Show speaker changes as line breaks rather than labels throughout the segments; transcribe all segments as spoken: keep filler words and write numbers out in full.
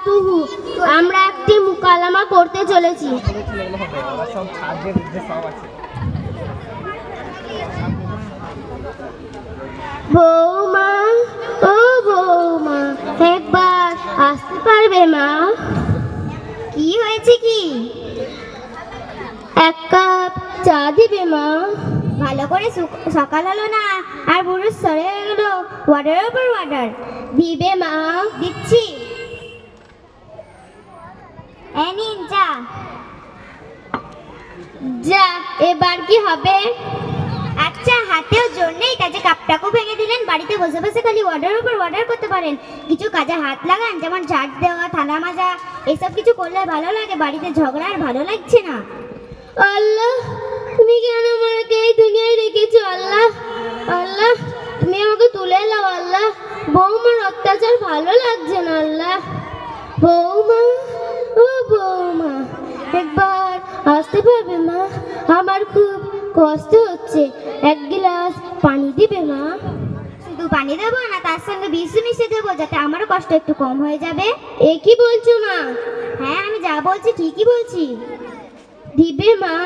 বাতুহু, আমরা একটি মুকালামা করতে চলেছি। বৌমা, ও বৌমা, একবার আসতে পারবে মা?
কি হয়েছে কি?
এক কাপ চা দিবে মা?
ভালো করে সকাল হলো না আর বুড়ো সরে গেল ওয়াটারের উপর ওয়াটার।
দিবে মা?
দিচ্ছি। এই নিন চা।
যা, এবার কি হবে?
আচ্ছা, হাতেও জোর নেই, কাজে কাপটাকেও ভেঙে দিলেন। বাড়িতে বসে বসে খালি ওয়াটারের উপর ওয়াটার করতে পারেন। কিছু কাজে হাত লাগান, যেমন ঝাড় দেওয়া, থালা মাজা, এসব কিছু করলে ভালো লাগে। বাড়িতে ঝগড়া আর ভালো লাগছে না।
আল্লাহ, তুমি কেন আমাকে এই দুনিয়ায় রেখেছো? আল্লাহ, আল্লাহ, তুমি আমাকে তুলে নাও। আল্লাহ, বৌমার অত্যাচার ভালো লাগছে না। আল্লাহ, বৌমা, ও বৌমা, একবার আসতে পারবে মা? আমার খুব কষ্ট হচ্ছে, এক গ্লাস পানি দিবে মা?
শুধু পানি দেবো না, তার সঙ্গে বিষ মিশিয়ে দেবো, যাতে আমারও কষ্ট একটু কম হয়ে যাবে।
এ কি বলছো মা?
হ্যাঁ, আমি যা বলছি ঠিকই বলছি।
দিবে মা?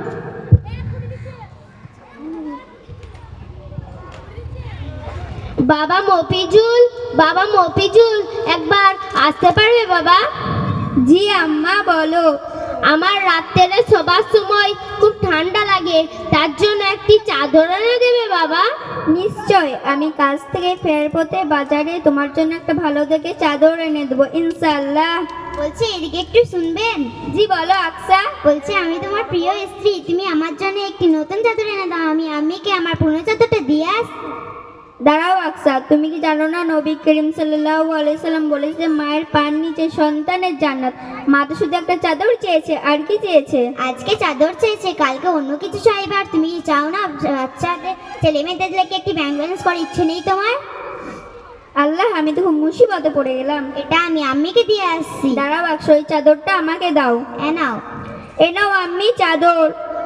বাবা মফিজুল, বাবা মফিজুল, একবার আসতে পারবে বাবা? জি আম্মা, বলো। আমার রাত্রে শোবার সময় খুব ঠান্ডা লাগে, তার জন্য একটি চাদর এনে দেবে বাবা? নিশ্চয়, আমি কাজ থেকে ফেরার পথে বাজারে তোমার জন্য একটা ভালো দেখে চাদর এনে দেবো ইনশাআল্লাহ।
বলছি, এদিকে একটু শুনবেন?
জি বলো আকসা।
বলছি, আমি তোমার প্রিয় স্ত্রী, তুমি আমার জন্য একটি নতুন চাদর এনে দাও। আমি আম্মিকে আমার পুরনো চাদরটা দিয়ে আস।
দাঁড়াও আকসা, তুমি কি জানো না নবী করিম সাল্লাল্লাহু আলাইহি সাল্লাম বলেছে মায়ের পায়ের নিচে সন্তানের জান্নাত। মা তো শুধু একটা চাদর চেয়েছে, আর কি চেয়েছে?
আজকে চাদর চেয়েছে, কালকে অন্য কিছু চাইবে। আর তুমি চাও না বাচ্চাদের, ছেলে মেয়েদেরকে একটি ব্যাংক ব্যালেন্স করার ইচ্ছে নেই তোমার?
আল্লাহ, আমি তো খুব মুসিবতে পড়ে গেলাম।
এটা আমি আম্মিকে দিয়ে আসছি।
দাঁড়াও আকসা, ওই চাদরটা আমাকে দাও।
এ নাও।
এ নাও আম্মি চাদর।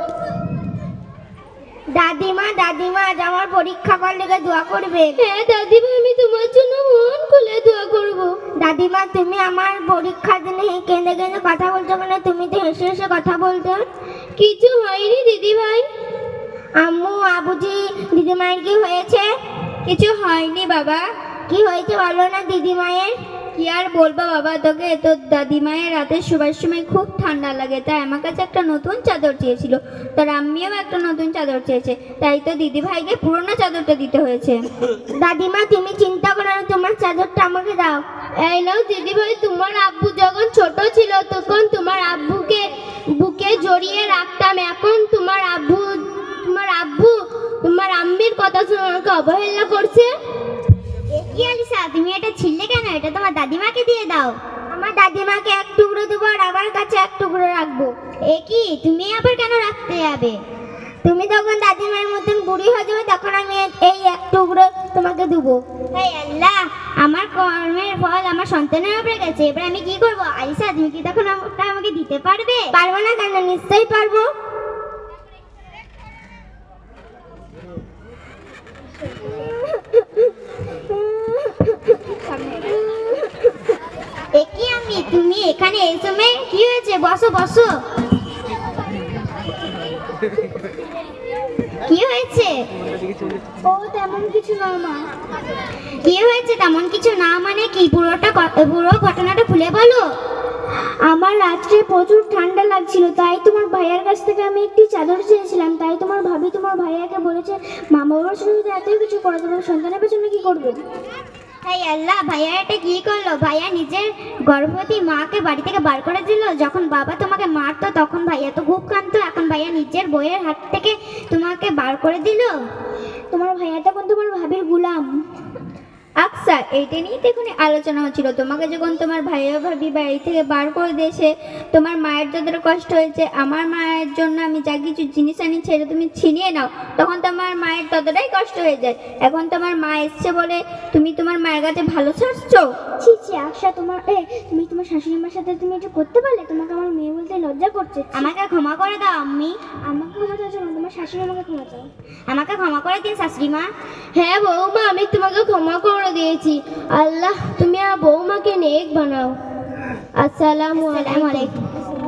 দাদিমা, দাদিমা, আজ আমার পরীক্ষা করার লেগে দোয়া করবে। হ্যাঁ দাদিমা, আমি তোমার জন্য মন খুলে দোয়া করব। দাদিমা, তুমি আমার পরীক্ষার দিনে কেঁদে কেঁদে কথা বলছো কেন? তুমি তো হেসে হেসে কথা বলতে। কিছু হয়নি দিদি ভাই। আম্মু, আবুজি, দিদিমায়ের কি হয়েছে? কিছু হয়নি বাবা। কি হয়েছে বলো না দিদিমায়ের? কি আর বলবো বাবা তোকে, তোর দাদিমায়ের রাতে শোবার সময় খুব ঠান্ডা লাগে, তাই আমার কাছে একটা নতুন চাদর চেয়েছিল। তোর আম্মিও একটা নতুন চাদর চেয়েছে, তাই তো দিদি ভাইকে পুরোনো চাদরটা দিতে হয়েছে। দাদিমা, তুমি চিন্তা করো না, তোমার চাদরটা আমাকে দাও। এই নাও দিদি ভাই, তোমার আব্বু যখন ছোট ছিল তখন তোমার আব্বুকে বুকে জড়িয়ে রাখতাম। এখন তোমার আব্বু তোমার আব্বু তোমার আম্মির কথা শুনে আমাকে অবহেলা করছে।
কি আলিসা, তুমি এটা ছিললে কেন? এটা তোমার দাদিমাকে দিয়ে দাও।
আমার দাদিমাকে এক টুকরো দেবো আর আমার কাছে এক টুকরো রাখবো।
এ কি, তুমি আবার কেন রাখতে যাবে?
তুমি যখন দাদিমার মতন বুড়ি হয়ে যাবে তখন আমি এই এক টুকরো তোমাকে দেবো।
হে আল্লাহ, আমার কর্মের ফল আমার সন্তানের উপরে গেছে, এবার আমি কি করব? আলিসা, তুমি কি তখন ওটা আমাকে দিতে পারবে?
পারবো না কেন? নিশ্চয়ই পারবো।
একই আমি, তুমি এখানে এই সময় কি হয়েছে? বসো বসো। কি হয়েছে?
ও তেমন কিছু না মা।
কি হয়েছে তেমন কিছু না মানে কি? পুরোটা পুরো ঘটনাটা খুলে বলো।
আমার রাত্রে প্রচুর ঠান্ডা লাগছিল, তাই তোমার ভাইয়ার কাছ থেকে আমি একটি চাদর চেয়েছিলাম। তাই তোমার ভাবি তোমার ভাইয়াকে বলেছে মা বাবার সাথে যদি এত কিছু করে তোমার সন্তানের পেছনে কি করবে?
তাই আল্লাহ, ভাইয়া এটা কি করলো? ভাইয়া নিজের গর্ভবতী মাকে বাড়ি থেকে বার করে দিল। যখন বাবা তোমাকে মারতো তখন ভাইয়া তো খুব কাঁদতো, এখন ভাইয়া নিজের বইয়ের হাত থেকে তোমাকে বার করে দিল।
তোমার ভাইয়া তখন তোমার ভাবির গুলাম। আচ্ছা, এইটা নিয়ে তো এখন আলোচনা হচ্ছিল। তোমাকে যখন তোমার ভাইয়া ভাবি বাড়ি থেকে বার করে দিয়েছে, তোমার মায়ের যতটা কষ্ট হয়েছে, আমার মায়ের জন্য আমি যা কিছু জিনিস আনি সেটা তুমি ছিনিয়ে নাও, তখন তোমার মায়ের ততটাই কষ্ট হয়ে যায়। এখন তোমার মা এসছে বলে তুমি তোমার মায়ের কাছে ভালো ছাড়ছো? ছি ছি আশা, তোমার এ তুমি তোমার শাশুড়ি মার সাথে তুমি এটা করতে পারলে? তোমাকে আমার মেয়ে বলতে লজ্জা করছে।
আমাকে ক্ষমা করে দাও আম্মি।
আমাকে ক্ষমা চাইছো না, তোমার শাশুড়ি আমাকে ক্ষমা চাও।
আমাকে ক্ষমা করে দিন শাশুড়ি মা।
হ্যাঁ বৌমা, আমি তোমাকে ক্ষমা করে দিয়েছি। আল্লাহ, তুমি আর বৌমাকে নেক বানাও। আসসালামু
আসসালামু
আলাইকুম।
আলাইকুম।